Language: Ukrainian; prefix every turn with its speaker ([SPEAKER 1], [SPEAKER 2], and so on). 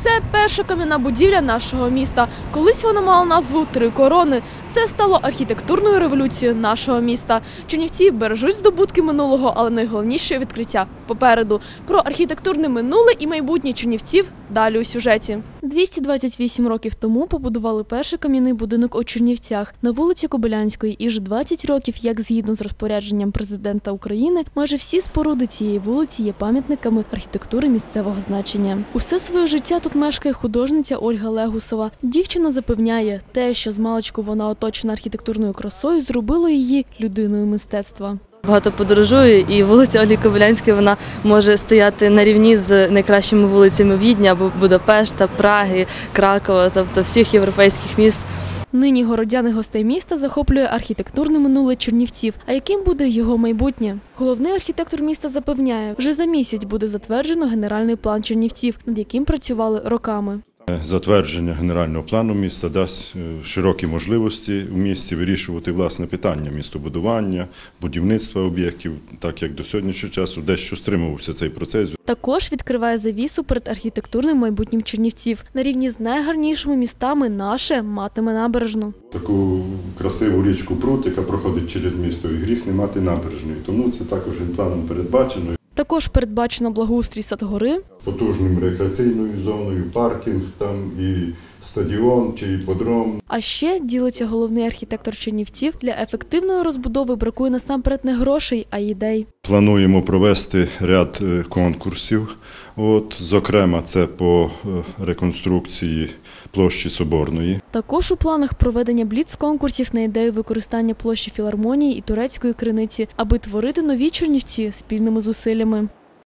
[SPEAKER 1] Це перша кам'яна будівля нашого міста. Колись вона мала назву «Три корони». Це стало архітектурною революцією нашого міста. Чернівці бережуть здобутки минулого, але найголовніше – відкриття попереду. Про архітектурне минуле і майбутнє чернівців далі у сюжеті. 228 років тому побудували перший кам'яний будинок у Чернівцях на вулиці Кобилянської. І вже 20 років, як згідно з розпорядженням президента України, майже всі споруди цієї вулиці є пам'ятниками архітектури місцевого значення. Усе своє життя тут мешкає художниця Ольга Легусова. Дівчина запевняє, те, що змалечку вона оточена архітектурною красою, зробило її людиною мистецтва.
[SPEAKER 2] Багато подорожую, і вулиця Ольги Кобилянської вона може стояти на рівні з найкращими вулицями Відня, або Будапешта, Праги, Кракова, тобто всіх європейських міст.
[SPEAKER 1] Нині городяни гостей міста захоплює архітектурне минуле Чернівців. А яким буде його майбутнє? Головний архітектор міста запевняє, вже за місяць буде затверджено генеральний план Чернівців, над яким працювали роками.
[SPEAKER 3] Затвердження генерального плану міста дасть широкі можливості у місті вирішувати власне питання містобудування, будівництва об'єктів, так як до сьогоднішнього часу дещо стримувався цей процес.
[SPEAKER 1] Також відкриває завісу перед архітектурним майбутнім Чернівців. На рівні з найгарнішими містами наше матиме набережну.
[SPEAKER 3] Таку красиву річку Прут, яка проходить через місто, і гріх не мати набережної. Тому це також планом передбачено.
[SPEAKER 1] Також передбачено благоустрій Садгори,
[SPEAKER 3] Потужною рекреаційною зоною, паркінг там і стадіон чи іпподром.
[SPEAKER 1] А ще, ділиться головний архітектор Чернівців, для ефективної розбудови бракує насамперед не грошей, а ідей.
[SPEAKER 3] Плануємо провести ряд конкурсів, зокрема це по реконструкції площі Соборної.
[SPEAKER 1] Також у планах проведення бліц-конкурсів на ідею використання площі Філармонії і Турецької Криниці, аби творити нові Чернівці спільними зусиллями.